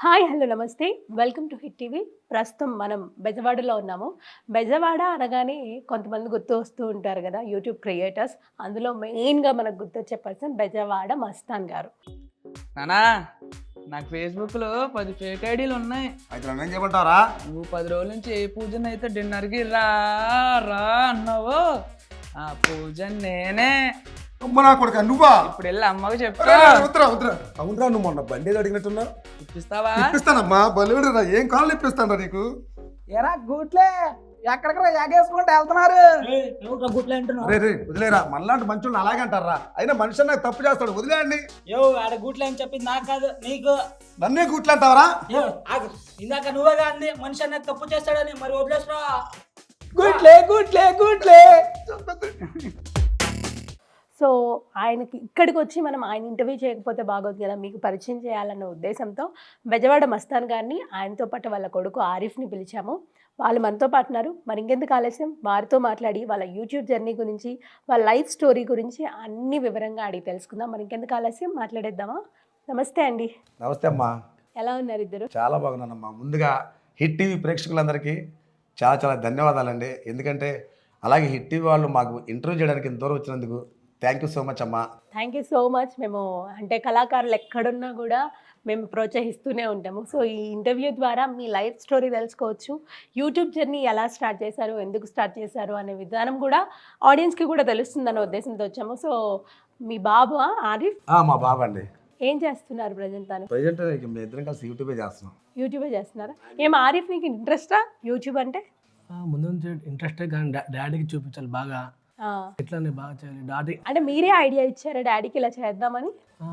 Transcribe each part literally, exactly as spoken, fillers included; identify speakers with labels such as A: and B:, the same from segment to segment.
A: Hi hello నమస్తే welcome to hit TV. ప్రస్తుతం మనం బెజవాడలో ఉన్నాము. బెజవాడ అనగానే కొంతమంది గుర్తు వస్తూ ఉంటారు కదా, యూట్యూబ్ క్రియేటర్స్. అందులో మెయిన్గా మనకు గుర్తొచ్చే పర్సన్ బెజవాడ మస్తాన్ గారు.
B: నానా నాకు ఫేస్బుక్లో పది ఫేక్ ఐడీలు ఉన్నాయి.
C: అయితే నన్ను ఏం చేయమంటారా?
B: నువ్వు పది రోజుల నుంచి ఏ పూజన అయితే డిన్నర్కి రా రా అన్నావో ఆ పూజ నేనే.
C: అమ్మ నా కొడుక నువ్వా?
B: ఇప్పుడు వెళ్ళి అమ్మకు
C: అరే,
B: చెప్తా.
C: అరే, వద్దురా వద్దురా. అవునరా, నువ్వు మొన్న బండి ఏదో అడిగినట్టున్నా.
B: ఇప్పిస్తావా?
C: ఇప్పిస్తానమ్మా, బలివిడురా. ఏం కాళ్ళు ఇప్పిస్తానరా నీకు?
B: ఎరా గూట్లే ఎక్కడికరా ఎగేసుకుంటూ వెళ్తున్నారు?
C: అరే రే వదిలేరా, మనలాంటి మంచులను అలాగే అంటారా? అయినా మనిషి నాకు తప్పు చేస్తాడు, వదిలేయండి.
D: యో ఆడ గూట్లే అని చెప్పింది నాకు కాదు నీకు.
C: నన్నే గుట్లు అంటావరా?
D: యో ఆగు, ఇందాక నువ్వేగా అంది మనిషి అనేది తప్పు చేస్తాడని, మరి వదిలేసరా.
B: గూట్లే గూట్లే గూట్లే.
A: సో ఆయనకి ఇక్కడికి వచ్చి మనం ఆయన ఇంటర్వ్యూ చేయకపోతే బాగోదు కదా, మీకు పరిచయం చేయాలన్న ఉద్దేశంతో బెజవాడ మస్తాన్ గారిని, ఆయనతో పాటు వాళ్ళ కొడుకు ఆరిఫ్ని పిలిచాము. వాళ్ళు మనతో పాటు ఉన్నారు. మరి ఇంకెందుకు ఆలస్యం, వారితో మాట్లాడి వాళ్ళ యూట్యూబ్ జర్నీ గురించి, వాళ్ళ లైఫ్ స్టోరీ గురించి అన్ని వివరంగా అడిగి తెలుసుకుందాం. మరి ఇంకెందుకు ఆలస్యం, మాట్లాడేద్దామా? నమస్తే అండి.
C: నమస్తే అమ్మా.
A: ఎలా ఉన్నారు ఇద్దరు?
C: చాలా బాగున్నానమ్మా. ముందుగా హిట్ టీవీ ప్రేక్షకులందరికీ చాలా చాలా ధన్యవాదాలండి. ఎందుకంటే అలాగే హిట్ టీవీ వాళ్ళు మాకు ఇంటర్వ్యూ చేయడానికి ఇంత దూరం వచ్చినందుకు థ్యాంక్ యూ సో మచ్ అమ్మా.
A: Thank you so much. మేము అంటే కళాకారులు ఎక్కడున్నా కూడా మేము ప్రోత్సహిస్తూనే ఉంటాము. సో ఈ ఇంటర్వ్యూ ద్వారా మీ లైఫ్ స్టోరీ తెలుసుకోవచ్చు. యూట్యూబ్ జర్నీ ఎలా స్టార్ట్ చేశారు, ఎందుకు స్టార్ట్ చేశారు అనే విధానం కూడా ఆడియన్స్కి కూడా తెలుస్తుందన్న ఉద్దేశంతో వచ్చాము. సో మీ బాబు ఆరిఫ్
C: ఆ, మా బాబు అండి.
A: ఏం చేస్తున్నారు ప్రజెంట్? తను
C: ప్రజెంట్ మేము ఇద్దరం కలిసి యూట్యూబే చేస్తున్నాం.
A: యూట్యూబే చేస్తున్నారా? ఏం ఆరిఫ్ నీకు ఇంట్రెస్టా యూట్యూబ్ అంటే?
E: ఆ, ముందు నుంచి ఇంట్రెస్టే కానీ డా- డాడీకి చూపించాలి బాగా,
A: ఆ,
E: ఎట్లానే బాగా చేయాలి డాడీ.
A: అంటే మీరే ఐడియా ఇచ్చారా డాడీకి ఇలా చేద్దామని?
E: ఆ,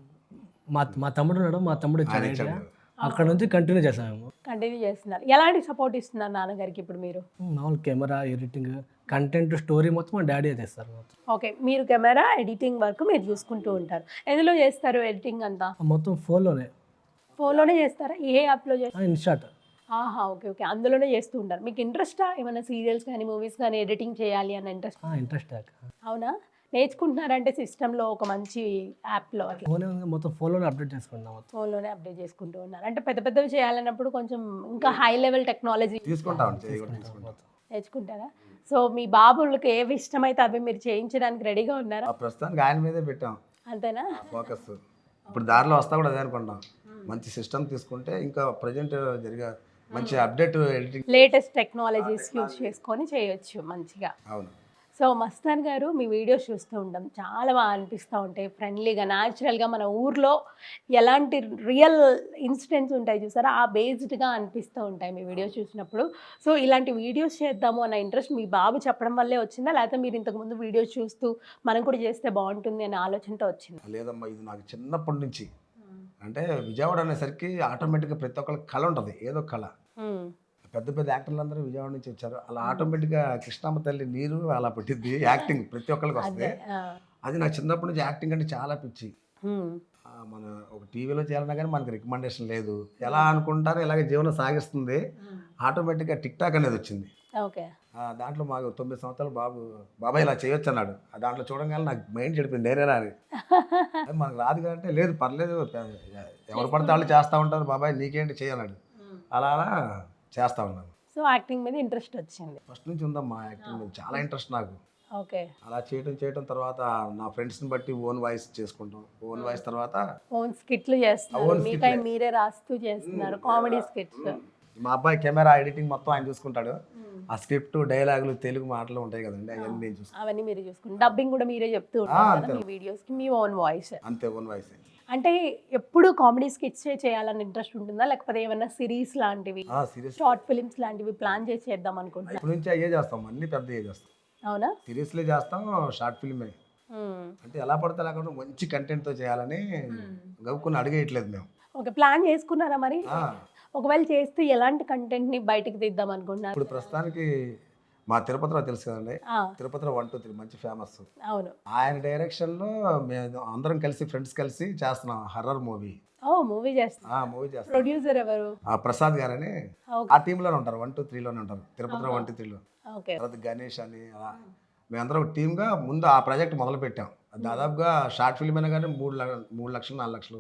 E: మా మా తమ్ముడు ఉన్నాడు, మా తమ్ముడు ఇచ్చాడు ఐడియా. అక్కడ నుంచి కంటిన్యూ చేసాము.
A: కంటిన్యూ చేస్తున్నారు. ఎలాంటి సపోర్ట్ ఇస్తున్నారు నాన్నగారికి ఇప్పుడు మీరు?
E: మామూలు కెమెరా, ఎడిటింగ్, కంటెంట్, స్టోరీ మొత్తం మా డాడీ చేస్తారు మొత్తం.
A: ఓకే, మీరు కెమెరా ఎడిటింగ్ వర్క్ మీరు చూసుకుంటూ ఉంటారు. ఎందులో చేస్తారు ఎడిటింగ్ అంతా?
E: ఆ, మొత్తం ఫోన్లోనే,
A: ఫోన్లోనే చేస్తారా? ఏ యాప్లో చేస్తారు?
E: ఇన్షాట్.
A: ఆహా, ఓకే ఓకే, అందులోనే చేస్తూ ఉంటారు. మీకు ఇంట్రెస్టా ఏమైనా సీరియల్స్ కానీ మూవీస్ కానీ ఎడిటింగ్ చేయాలి అన్న ఇంట్రెస్ట్?
E: ఇంట్రెస్ట్
A: అవునా? నేర్చుకుంటున్నారంటే సిస్టంలో ఒక మంచి యాప్లో అట్లా
E: ఫోనే ఉంది, మొత్తం ఫోన్లోనే అప్డేట్ చేసుకుంటాం మొత్తం.
A: ఫోన్లోనే అప్డేట్ చేసుకుంటూ ఉన్నారు. అంటే పెద్ద పెద్దవి చేయాలన్నప్పుడు కొంచెం ఇంకా హై లెవెల్ టెక్నాలజీ
C: తీసుకుంటాం, చేయకుండా తీసుకుంటాం.
A: నేర్చుకుంటారా? సో మీ బాబులకు ఏవి ఇష్టమైతే అవి మీరు చేయించడానికి రెడీగా ఉన్నారా?
C: ఆ ప్రస్తుతానికి ఆయన మీదే పెట్టాం
A: అంతేనా?
C: ఫోకస్. ఇప్పుడు దారిలో వస్తా కూడా అదే అనుకుంటాం. మంచి సిస్టమ్ తీసుకుంటే ఇంకా ప్రజెంట్ జరిగే మంచి update editing.
A: Latest technologies use చేసుకొని చేయొచ్చు మంచిగా.
C: అవును.
A: సో మస్తాన్ గారు మీ వీడియోస్ చూస్తూ ఉంటాం, చాలా బాగా అనిపిస్తూ ఉంటాయి. ఫ్రెండ్లీగా, న్యాచురల్గా మన ఊర్లో ఎలాంటి రియల్ ఇన్సిడెంట్స్ ఉంటాయి చూసారా, ఆ బేస్డ్గా అనిపిస్తూ ఉంటాయి మీ వీడియోస్ చూసినప్పుడు. సో ఇలాంటి వీడియోస్ చేద్దాము అన్న ఇంట్రెస్ట్ మీ బాబు చెప్పడం వల్లే వచ్చిందా, లేకపోతే మీరు ఇంతకుముందు వీడియోస్ చూస్తూ మనం కూడా చేస్తే బాగుంటుంది అనే ఆలోచనతో వచ్చిందా?
C: లేదమ్మా, ఇది నాకు చిన్నప్పటి నుంచి. అంటే విజయవాడ అనేసరికి ఆటోమేటిక్గా ప్రతి ఒక్కరికి కళ ఉంటుంది, ఏదో కళ.
A: మ్మ్.
C: పెద్ద పెద్ద యాక్టర్లు అందరూ విజయవాడ నుంచి వచ్చారు. అలా ఆటోమేటిక్గా కృష్ణమ్మ తల్లి నీరు అలా పుట్టింది. యాక్టింగ్ ప్రతి ఒక్కరికి వస్తుంది.
A: ఆ.
C: అది నాకు చిన్నప్పటి నుంచి యాక్టింగ్ అంటే చాలా పిచ్చి.
A: మ్మ్.
C: ఆ, మన ఒక టీవీలో చేయాలన్నా కానీ మనకి రికమెండేషన్ లేదు. ఎలా అనుకుంటారో ఇలాగే జీవనం సాగిస్తుంది. ఆటోమేటిక్గా టిక్ టాక్ అనేది వచ్చింది.
A: ఓకే.
C: ఆ, దాంట్లో మాకు తొమ్మిది సంవత్సరాలు బాబు బాబాయ్ ఇలా చేయొచ్చు అన్నాడు. ఆ దాంట్లో చూడగానే నాకు మైండ్ చెడిపోయింది, నేనేనా అని. అది మనకు రాదు కంటే లేదు పర్లేదు, ఎవరు పడితే వాళ్ళు చేస్తూ ఉంటారు, బాబాయ్ నీకేంటి చేయాలన్నాడు. అలా అలా చేస్తూ ఉన్నాను.
A: సో యాక్టింగ్ మీద ఇంట్రెస్ట్ వచ్చింది.
C: ఫస్ట్ నుంచి ఉందమ్మా యాక్టింగ్ మీద చాలా ఇంట్రెస్ట్ నాకు.
A: ఓకే.
C: అలా చేయటం చేయటం తర్వాత నా ఫ్రెండ్స్ని బట్టి ఓన్ వాయిస్ చేసుకుంటాం. ఓన్ వాయిస్ తర్వాత
A: ఓన్ స్కిట్లు చేస్తున్నారు,
C: ఓన్
A: మీకై
C: స్కిట్లే.
A: మీరే రాస్తూ చేస్తున్నారు కామెడీ స్కిట్స్.
C: మా అబ్బాయి కెమెరా ఎడిటింగ్ మొత్తం ఆయన చూసుకుంటాడు. ఆ స్క్రిప్ట్, డైలాగులు, తెలుగు మాటలు ఉంటాయి కదండి, అవన్నీ నేను చూసుకుంటాను.
A: అవన్నీ మీరే చూసుకుంటారు. డబ్బింగ్ కూడా మీరే చెప్తూ ఉంటారు కదా మీ వీడియోస్కి, మీ ఓన్ వాయిస్.
C: అంతే, ఓన్ వాయిస్.
A: అంటే ఎప్పుడు కామెడీ స్కిట్స్ చేయాలని ఇంట్రెస్ట్ ఉంటుందా, లేకపోతే ఏమైనా సిరీస్ లాంటివి,
C: సీరియస్
A: షార్ట్ ఫిలిమ్స్ లాంటివి ప్లాన్ చేసి చేద్దాం అనుకుంటున్నా?
C: ఇప్పటి నుంచి అయ్యే చేస్తాం, అన్ని పెద్ద అయ్యే చేస్తాం.
A: అవునా?
C: సిరీస్లే చేస్తాం, షార్ట్ ఫిల్మే.
A: మ్మ్.
C: అంటే ఎలా పడితే అలా కాకుండా మంచి కంటెంట్తో చేయాలని గవ్వుకుని అడిగేయట్లేదు మేము.
A: ఓకే, ప్లాన్ చేసుకున్నారా మరి?
C: ఆ,
A: ఒకవేళ చేస్తే ఎలాంటి కంటెంట్ని బయటికి తీద్దాం అనుకుంటున్నారు?
C: ఇప్పుడు ప్రస్తుతానికి మా తిరుపతిలో తెలుసు కదండి,
A: ఆ,
C: తిరుపతిలో వన్ టూ త్రీ మంచి ఫేమస్.
A: అవును.
C: ఆయన డైరెక్షన్లో మేము అందరం కలిసి ఫ్రెండ్స్ కలిసి చేస్తున్నాం హర్రర్ మూవీ.
A: ఓ మూవీ చేస్తా.
C: ఆ మూవీ చేస్తాం.
A: ప్రొడ్యూసర్ ఎవరు?
C: ఆ ప్రసాద్ గారని
A: ఓకే.
C: ఆ టీంలోనే ఉంటారు, వన్ టూ త్రీలోనే ఉంటారు, తిరుపతిలో వన్ టూ త్రీలో.
A: ఓకే.
C: తర్వాత గణేష్ అని అలా మేమందరం ఒక టీమ్గా ముందు ఆ ప్రాజెక్ట్ మొదలు పెట్టాం. దాదాపుగా షార్ట్ ఫిల్మ్ అయినా కానీ మూడు లక్ష మూడు లక్షలు నాలుగు లక్షలు అవుతుంది.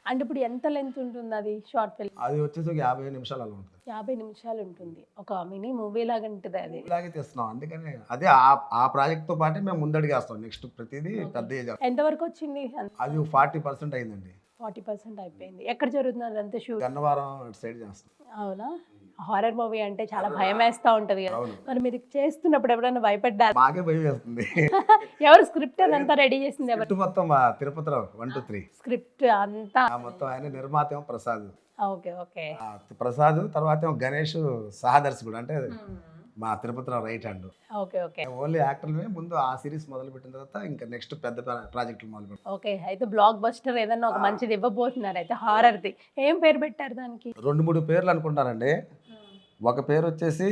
A: అంటే ఇప్పుడు ఎంత లెంత్ ఉంటుంది అది షార్ట్ ఫిల్మ్?
C: అది వచ్చేసి ఒక యాభై నిమిషాలు అలా ఉంటుంది.
A: యాభై నిమిషాలు ఉంటుంది. ఒక మినీ మూవీ లాగా ఉంటుంది అది.
C: ఇలాగే తీస్తున్నాం, అందుకని అదే ఆ ఆ ప్రాజెక్ట్తో పాటే మేము ముందడిగేస్తాం. నెక్స్ట్ ప్రతిదీ పెద్ద
A: ఎంతవరకు వచ్చింది?
C: అది ఫార్టీ పర్సెంట్ అయిందండి.
A: ఫార్టీ పర్సెంట్ అయిపోయింది. ఎక్కడ జరుగుతుంది అదంతా షూట్?
C: గన్నవరం అటు సైడ్ చేస్తాం.
A: అవునా? హారర్ మూవీ అంటే చాలా భయం వేస్తూ ఉంటుంది కదా,
C: అవును.
A: మరి మీరు చేస్తున్నప్పుడు ఎప్పుడైనా భయపడ్డారు?
C: మాకే భయం వేస్తుంది.
A: ఎవరు స్క్రిప్ట్ అదంతా రెడీ చేసింది? ఎవరు
C: స్క్రిప్ట్ మొత్తం మా Tirupatirao one two three
A: script అంతా?
C: ఆ మొత్తం ఆయన నిర్మాత ఏమో ప్రసాద్.
A: Okay okay.
C: ఆ ప్రసాద్ తర్వాత ఏమో గణేష్ సహదర్శకుడు, అంటే మా Tirupatirao right hand.
A: Okay okay
C: only యాక్టర్లమే ముందు ఆ సిరీస్ మొదలు పెట్టిన తర్వాత ఇంకా నెక్స్ట్ పెద్ద ప్రాజెక్టులు మొదలు పెట్టాం.
A: ఓకే. అయితే బ్లాక్ బస్టర్ ఏదన్నా ఒక మంచిది ఇవ్వబోతున్నారు అయితే హారర్ది. ఏం పేరు పెట్టారు దానికి?
C: రెండు మూడు పేర్లు అనుకుంటారండి. ఒక పేరు వచ్చేసి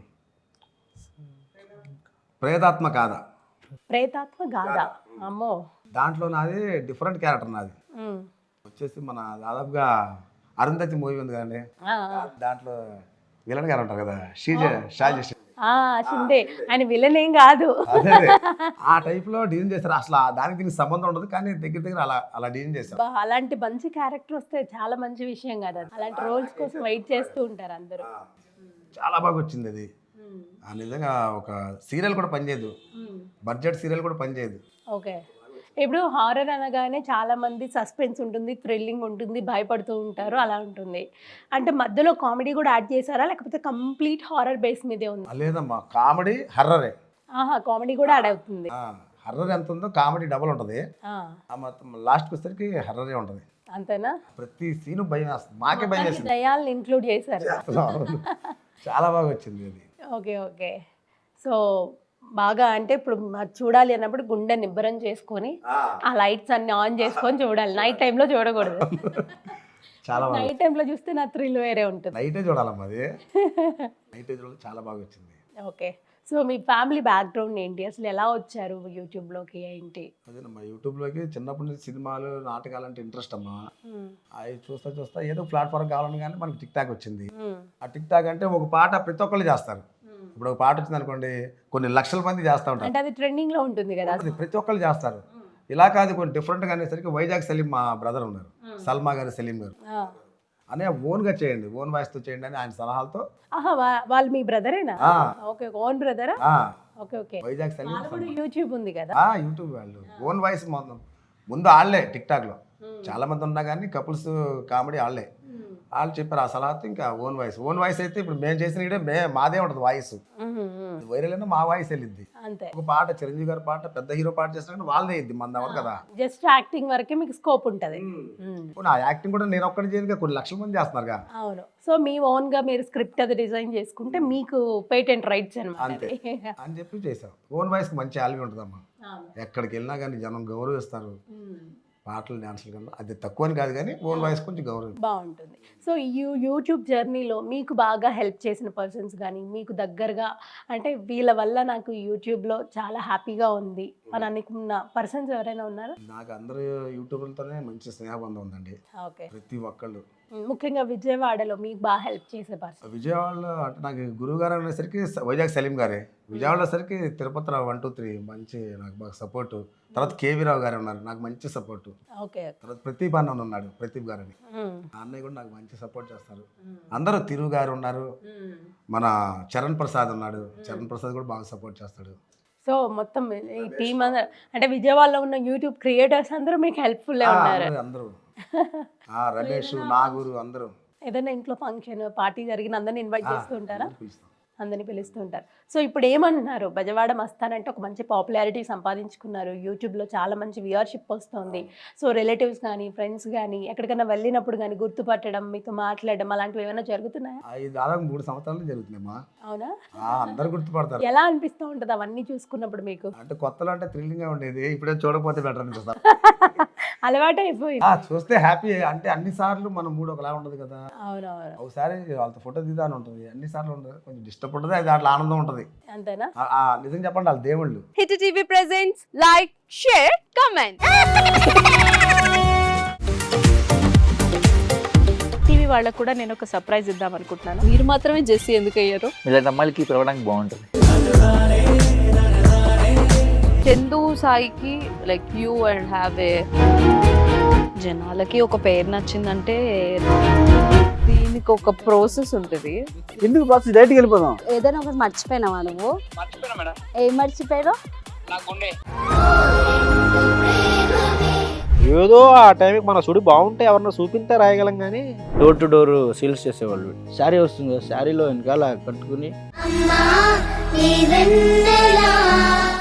C: ప్రేతాత్మ కాద.
A: ప్రేతాత్మ గాథ. అమ్మో.
C: దాంట్లో నాది డిఫరెంట్ క్యారెక్టర్ నాది
A: ఉమ్.
C: వచ్చేసి మన దాదాపుగా అరుంధతి మూవీ ఉంది కదండి,
A: ఆ,
C: దాంట్లో విలన్ గారు ఉంటారు కదా, షీజ షాజీ షీ-
A: ఆ, షిండే. ఆయన విలన్ ఏం కాదు.
C: అదే అదే. ఆ టైప్ లో డిజైన్ చేశారు. అసలు ఆ దానికి దీనికి సంబంధం ఉండదు, కానీ దగ్గర దగ్గర అలా అలా డిజైన్ చేశారు.
A: బా, అలాంటి మంచి క్యారెక్టర్ వస్తే చాలా మంచి విషయం కదా. అలాంటి రోల్స్ కోసం వెయిట్ చేస్తూ ఉంటారు అందరూ.
C: చాలా బాగా వచ్చింది అది. ఆ నిజంగా ఒక సీరియల్ కూడా పనిచేయదు, బడ్జెట్ సీరియల్ కూడా పనిచేయదు.
A: ఓకే. ఇప్పుడు హారర్ అనగానే చాలా మంది సస్పెన్స్ ఉంటుంది, థ్రిల్లింగ్ ఉంటుంది, భయపడుతూ ఉంటారు, అలా ఉంటుంది. అంటే మధ్యలో కామెడీ కూడా యాడ్ చేశారా, లేకపోతే కంప్లీట్ హారర్ బేస్ మీదే ఉంది?
C: లేదమ్మా, కామెడీ హర్రరే.
A: ఆహా, కామెడీ కూడా యాడ్ అవుతుంది.
C: హర్రర్ ఎంత ఉందో కామెడీ డబల్ ఉంటుంది.
A: ఆ,
C: ఆ మొత్తం లాస్ట్కి వచ్చేసరికి హర్రరే ఉంటుంది.
A: అంతేనా?
C: ప్రతి సీను భయం వేస్తుంది, మాకే భయం వేస్తుంది.
A: దయాల్ని ఇంక్లూడ్ చేశారు.
C: అవును. చాలా బాగా వచ్చింది అది.
A: Okay okay. సో బాగా అంటే ఇప్పుడు మరి చూడాలి అన్నప్పుడు గుండె నిబ్బరం చేసుకొని ఆ లైట్స్ అన్ని ఆన్ చేసుకొని చూడాలి. నైట్ టైంలో చూడకూడదు.
C: చాలా బాగా
A: నైట్ టైంలో చూస్తే నా థ్రిల్ వేరే ఉంటుంది.
C: నైటే చూడాలమ్మా అది. నైటే చూడాలి, చాలా బాగా వచ్చింది.
A: ఓకే. సో మీ ఫ్యామిలీ బ్యాక్గ్రౌండ్ ఏంటి, అసలు ఎలా వచ్చారు యూట్యూబ్లోకి ఏంటి?
C: అదేనమ్మా, యూట్యూబ్లోకి చిన్నప్పటి నుంచి సినిమాలు నాటకాలు అంటే ఇంట్రెస్ట్ అమ్మా.
A: మ్మ్.
C: అవి చూస్తా చూస్తా ఏదో ప్లాట్ఫామ్ కావాలని కానీ మనకి టిక్ టాక్ వచ్చింది.
A: మ్మ్.
C: ఆ టిక్ టాక్ అంటే ఒక పాట ప్రతి ఒక్కళ్ళు చేస్తారు. ఇప్పుడు ఒక పాట వచ్చింది అనుకోండి, కొన్ని లక్షల మంది చేస్తూ ఉంటారు.
A: అంటే అది ట్రెండింగ్ లో ఉంటుంది కదా.
C: అది ప్రతి ఒక్కళ్ళు చేస్తారు. ఇలా కాదు, కొన్ని డిఫరెంట్గా అనేసరికి వైజాగ్ సలీం మా బ్రదర్ ఉన్నారు, సల్మా గారు సలీం గారు,
A: ఆ.
C: అనే ఓన్గా చేయండి, ఓన్ వాయిస్తో చేయండి అని ఆయన సలహాలతో.
A: ఆహా, వా- వాళ్ళు మీ బ్రదరేనా?
C: ఆ.
A: ఓకే, ఓన్ బ్రదరా?
C: ఆ,
A: ఓకే ఓకే.
C: వైజాగ్ సలీం
A: వాళ్ళు కూడా యూట్యూబ్ ఉంది కదా.
C: ఆ, యూట్యూబ్ వాళ్ళు ఓన్ వాయిస్ మొత్తం ముందు వాళ్ళే టిక్ టాక్లో చాలా మంది ఉన్నా కానీ కపుల్స్ కామెడీ వాళ్ళే. వాళ్ళు చెప్పారు ఆ సలహాతో ఇంకా ఓన్ వాయిస్. ఓన్ వాయిస్ అయితే ఇప్పుడు మేము చేసిన వీడియో మే మాదే ఉంటుంది వాయిస్.
A: మ్మ్, మ్మ్.
C: వైరల్ అయినా మా వాయిస్ వెళ్ళిద్ది.
A: అంతే.
C: ఒక పాట చిరంజీవి గారి పాట పెద్ద హీరో పాట చేసినా వాళ్ళదే ఇద్ది, మన ఎవరు కదా.
A: జస్ట్ యాక్టింగ్ వరకే మీకు స్కోప్ ఉంటుంది.
C: నా యాక్టింగ్ కూడా నేను ఒక్కడి చేయను, కొన్ని లక్షల మంది చేస్తున్నారుగా.
A: అవును. సో మీ ఓన్ గా మీరు స్క్రిప్ట్ అది డిజైన్ చేసుకుంటే మీకు పేటెంట్ రైట్స్ అనమాట.
C: అంతే అని చెప్పి చేసాం. ఓన్ వాయిస్కి మంచి ఆల్వి ఉంటుందమ్మా. ఎక్కడికి వెళ్ళినా కానీ జనం గౌరవిస్తారు. పాటలు డ్యాన్సులు కన్నా అది తక్కువ అని కాదు, కానీ ఓన్ వాయిస్ కొంచెం గౌరవం
A: బాగుంటుంది. సో యూ యూట్యూబ్ జర్నీలో మీకు బాగా హెల్ప్ చేసిన పర్సన్స్ కానీ మీకు దగ్గరగా, అంటే వీళ్ళ వల్ల నాకు యూట్యూబ్లో చాలా హ్యాపీగా ఉంది అని అనుకున్న పర్సన్స్ ఎవరైనా ఉన్నారా?
C: నాకు అందరూ యూట్యూబర్లతోనే మంచి స్నేహబంధం ఉందండి,
A: ఓకే.
C: ప్రతి ఒక్కళ్ళు.
A: ముఖ్యంగా విజయవాడలో మీకు బాగా హెల్ప్ చేసే పర్సన్?
C: విజయవాడలో అంటే నాకు గురువు గారు అనేసరికి స- వైజాగ్ సలీం గారే. విజయవాడలో సరికి తిరుపతిరావు వన్ టూ త్రీ మంచి నాకు బాగా సపోర్టు. తర్వాత కేవీ రావు గారు ఉన్నారు, నాకు మంచి సపోర్టు.
A: ఓకే.
C: తర్వాత ప్రదీప్ అన్న ఉన్నాడు, ప్రదీప్ గారు అని,
A: మ్మ్.
C: ఆ అన్నయ్య కూడా నాకు మంచి సపోర్ట్ చేస్తారు. అందరూ తిరుగు గారు ఉన్నారు, మన చరణ్ ప్రసాద్ ఉన్నాడు, చరణ్ ప్రసాద్ కూడా బాగా సపోర్ట్ చేస్తాడు.
A: సో మొత్తం ఈ టీమ్ అందరూ, అంటే విజయవాడలో ఉన్న యూట్యూబ్ క్రియేటర్స్ అందరూ మీకు హెల్ప్ఫుల్
C: ఆ,
A: ఉన్నారు.
C: అందరూ అందరూ ఆ, రమేష్ నాగూరు అందరూ.
A: ఏదైనా ఇంట్లో ఫంక్షన్ పార్టీ జరిగిన అందరిని ఇన్వైట్ చేస్తూ ఉంటారా?
C: పిలుస్తాం.
A: అందరిని పిలుస్తూ ఉంటారు. సో ఇప్పుడు ఏమంటున్నారు, బెజవాడ మస్తాన్ అంటే ఒక మంచి పాపులారిటీ సంపాదించుకున్నారు, యూట్యూబ్లో చాలా మంచి వ్యూవర్షిప్ వస్తుంది. సో రిలేటివ్స్ కానీ ఫ్రెండ్స్ కానీ ఎక్కడికైనా వెళ్ళినప్పుడు కానీ గుర్తుపట్టడం, మీతో మాట్లాడడం అలాంటివి ఏమైనా జరుగుతున్నాయా?
C: అవి దాదాపు మూడు సంవత్సరాలు జరుగుతున్నాయమ్మా.
A: అవునా?
C: ఆ, అందరు గుర్తుపడతారు.
A: ఎలా అనిపిస్తూ ఉంటుంది అవన్నీ చూసుకున్నప్పుడు మీకు?
C: అంటే కొత్తలో అంటే థ్రిల్లింగ్ గా ఉండేది, ఇప్పుడే చూడకపోతే బెటర్ అనిపిస్తాం.
A: అలవాటు అయిపోయింది.
C: ఆ, చూస్తే హ్యాపీ. అంటే అన్ని సార్లు మన మూడు ఒకలా ఉండదు కదా.
A: అవునవును.
C: ఒకసారి వాళ్ళతో ఫోటో దిద్దాని ఉంటుంది, అన్ని సార్లు ఉండదు, కొంచెం డిస్టర్బ్ ఉంటుంది, అది దాంట్లో ఆనందం ఉంటుంది.
A: అంతేనా?
C: ఆ, ఆ, నిజం చెప్పండి వాళ్ళ దేవుళ్ళు.
F: Hit TV presents like share comment.
A: TV వాళ్ళకు కూడా నేను ఒక సర్ప్రైజ్ ఇద్దాం అనుకుంటున్నాను.
F: మీరు మాత్రమే జెస్సీ ఎందుకు అయ్యారు?
G: ఇలాంటి అమ్మాయిలకి పిలవడానికి బాగుంటుంది.
F: చందు సాయికి like you and have a జనాలకి ఒక పేరు నచ్చిందంటే దీనికి ఒక ప్రాసెస్ ఉంటుంది.
H: ఎందుకు ప్రాసెస్ డైరెక్ట్కి వెళ్ళిపోదాం.
I: ఏదైనా ఒకటి మర్చిపోయినావా నువ్వు?
B: మర్చిపోయినా మేడం,
I: ఏం మర్చిపోయావు?
B: నా గుండె.
H: ఏదో ఆ టైంకి మన సుడి బాగుంటే ఎవరన్నా చూపిస్తే రాయగలం కానీ డోర్ టు డోర్ సేల్స్ చేసేవాళ్ళు. శారీ వస్తుంది కదా, శారీలో వెనకాల కట్టుకుని